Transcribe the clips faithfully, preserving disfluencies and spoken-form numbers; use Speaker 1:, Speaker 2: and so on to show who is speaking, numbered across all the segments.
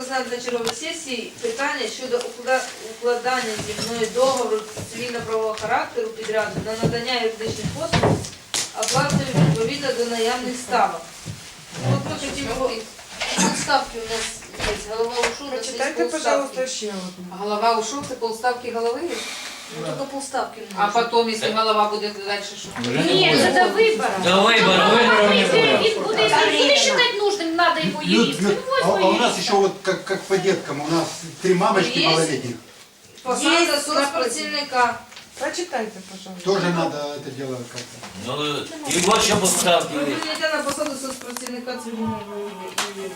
Speaker 1: розглянути на черговій сесії питання щодо уклада- укладання зі мною договору цивільно-правового характеру підряду на надання юридичних послуг оплатою відповідно до наявних ставок. От ми хотіли, тут ставки у нас є, голова ушов, на
Speaker 2: Прочитайте, пожалуйста, еще одну.
Speaker 3: Голова ушел, це полставки голови?
Speaker 1: Ну, тільки полставки не
Speaker 3: А
Speaker 1: можна.
Speaker 3: потом, если голова буде далі, що?
Speaker 4: Ні, це до вибору.
Speaker 5: До выбора, выборов не
Speaker 4: Він
Speaker 5: будет.
Speaker 4: буде, він буде считати нужним, надо йому
Speaker 6: Люд,
Speaker 4: юрист.
Speaker 6: Люд,
Speaker 4: Він
Speaker 6: а, а у
Speaker 4: возьме
Speaker 6: нас
Speaker 4: юриста.
Speaker 6: еще вот как, как по деткам, у нас три мамочки
Speaker 1: Есть.
Speaker 6: малолетних.
Speaker 1: Посада соцпрацівника.
Speaker 2: Прочитайте, пожалуйста.
Speaker 6: Тоже надо это дело как-то.
Speaker 5: Ну, и вот еще поставки.
Speaker 1: Ви прийняття на посаду соцпрацівника цивільного відділу.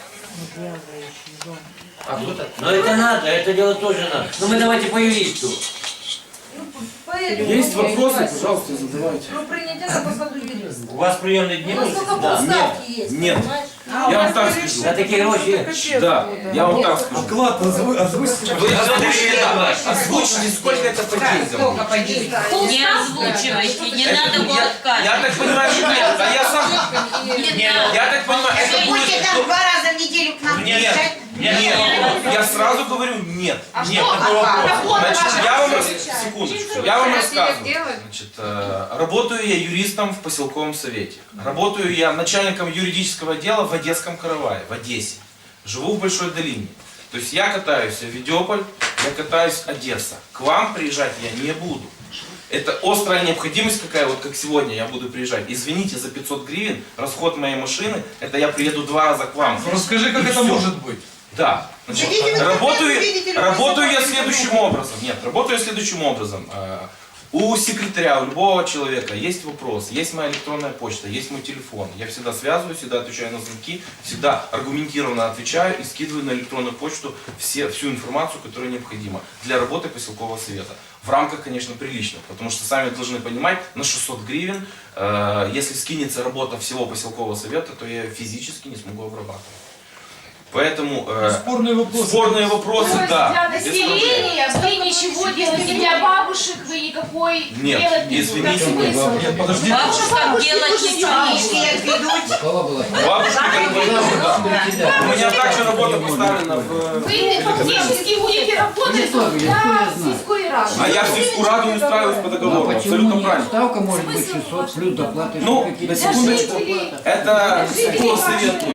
Speaker 5: Но это надо, это дело тоже надо. Ну мы давайте по юристу.
Speaker 1: Ну, поэтому
Speaker 7: Есть вопросы, пожалуйста, задавайте.
Speaker 1: про прийняття на посаду юриста.
Speaker 5: У вас приемные дни
Speaker 1: У нас
Speaker 5: будут?
Speaker 1: только
Speaker 5: Да.
Speaker 1: полставки есть,
Speaker 7: Нет.
Speaker 1: понимаешь?
Speaker 7: Я вам так скажу.
Speaker 5: За такие гроши.
Speaker 2: Капец
Speaker 7: Да,
Speaker 2: будет.
Speaker 7: я вам так скажу.
Speaker 8: Оклад озву- озвучьте.
Speaker 7: Вы озвучите, да, озвучите, сколько это по деньгам.
Speaker 3: Сколько по деньгам?
Speaker 9: Не озвучивайте, не
Speaker 7: Это-
Speaker 9: надо было
Speaker 7: я,
Speaker 9: ткать.
Speaker 7: я так понимаю, что нет, а я сам...
Speaker 9: Не надо.
Speaker 7: Я так понимаю, это
Speaker 10: Вы
Speaker 7: будет...
Speaker 10: будете там два раза в неделю к нам
Speaker 7: Нет,
Speaker 10: приезжать?
Speaker 7: нет, я сразу говорю нет. Нет, такой вопрос. Значит, я вам, рас- секундочку, я вам рассказываю. Значит, э, работаю я юристом в поселковом совете. Работаю я начальником юридического отдела в Одесском каравае, в Одессе. Живу в Большой Долине. То есть я катаюсь в Авидиополь, я катаюсь Одесса. К вам приезжать я не буду. Это острая необходимость какая, вот как сегодня я буду приезжать. Извините за пятьсот гривен, расход моей машины, это я приеду два раза к вам.
Speaker 8: Расскажи, как
Speaker 7: И
Speaker 8: это
Speaker 7: всё.
Speaker 8: может быть.
Speaker 7: Да. Значит,
Speaker 10: Идите вы
Speaker 7: работаю,
Speaker 10: как-то увидите, или
Speaker 7: работаю я
Speaker 10: вы
Speaker 7: следующим образом. Нет, работаю я следующим образом. Э, У секретаря, у любого человека есть вопрос, есть моя электронная почта, есть мой телефон. Я всегда связываюсь, всегда отвечаю на звонки, всегда аргументированно отвечаю и скидываю на электронную почту все, всю информацию, которая необходима для работы поселкового совета. В рамках, конечно, приличных, потому что сами должны понимать, на шестьсот гривен, э, если скинется работа всего поселкового совета, то я физически не смогу обрабатывать. Поэтому э,
Speaker 8: Спорные вопросы.
Speaker 7: спорные вопросы,
Speaker 4: То есть
Speaker 7: да.
Speaker 4: для
Speaker 7: без проблем.
Speaker 4: населения вы ничего делаете, для бабушек вы никакой
Speaker 7: Нет,
Speaker 4: делать не
Speaker 7: извините,
Speaker 4: будете.
Speaker 7: нет.
Speaker 4: Смысл?
Speaker 8: Нет, подождите.
Speaker 9: Бабушкам делать ничего не
Speaker 10: Бабушки отведут.
Speaker 7: Бабушка, как бы, да. У меня также работа поставлена в...
Speaker 4: Вы фактически будете работать для сельской рады.
Speaker 7: А я в сельскую раду не устраиваюсь по договору, абсолютно правильно.
Speaker 11: Ставка может быть шестьсот плюс доплаты.
Speaker 7: Ну,
Speaker 11: какие-то
Speaker 7: на секундочку,
Speaker 4: Жители.
Speaker 7: это по совету.